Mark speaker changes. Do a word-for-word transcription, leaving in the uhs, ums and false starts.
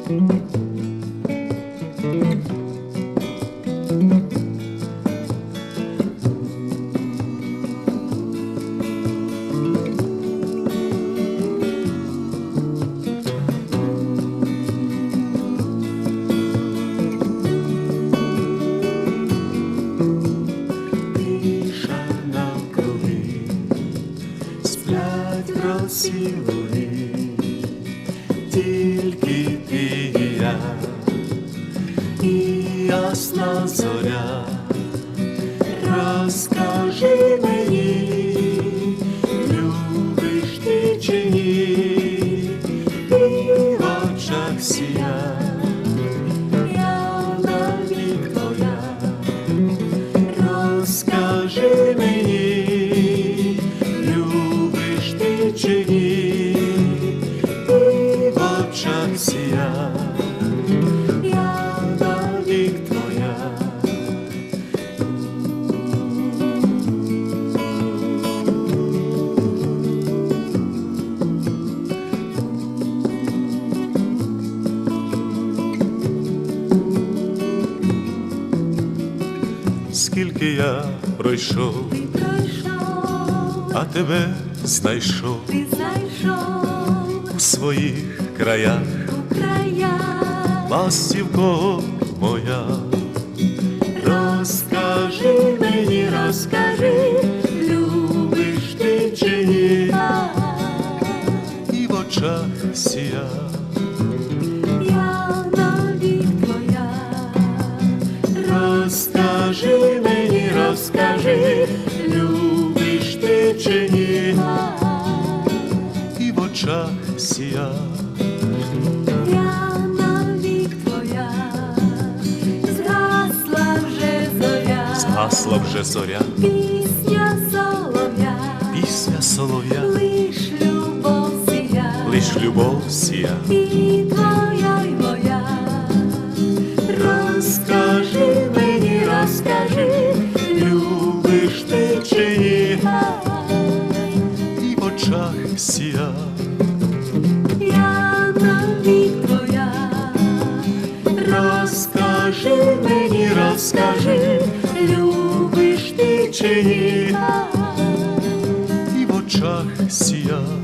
Speaker 1: Цілуй, тільки ти і я, і ясна зоря. Розкажи мені, любиш ти чи ні, і в очах сія, я навік твоя. Розкажи мені, любиш ти чи ні, і в очах сія, я навік твоя. Скільки я пройшов,
Speaker 2: Ти пройшов,
Speaker 1: а тебе знайшов
Speaker 2: ти знайшов
Speaker 1: у своїх краях,
Speaker 2: у краях.
Speaker 1: ластівко моя. Розкажи мені, розкажи, любиш ти чи ні, і в очах сія,
Speaker 2: Я навік твоя.
Speaker 1: розкажи мені, розкажи, любиш ти чи ні, і в очах сія,
Speaker 2: Я навік твоя. Згасла вже зоря,
Speaker 1: згасла вже зоря,
Speaker 2: пісня солов'я,
Speaker 1: пісня солов'я,
Speaker 2: лиш любов сія,
Speaker 1: лиш любов сія.
Speaker 2: і твоя, й моя.
Speaker 1: Розкажи мені, розкажи, любиш ти чи ні, і в очах сія,
Speaker 2: Я навік твоя.
Speaker 1: розкажи мені, розкажи, любиш ти чи ні, і в очах сія.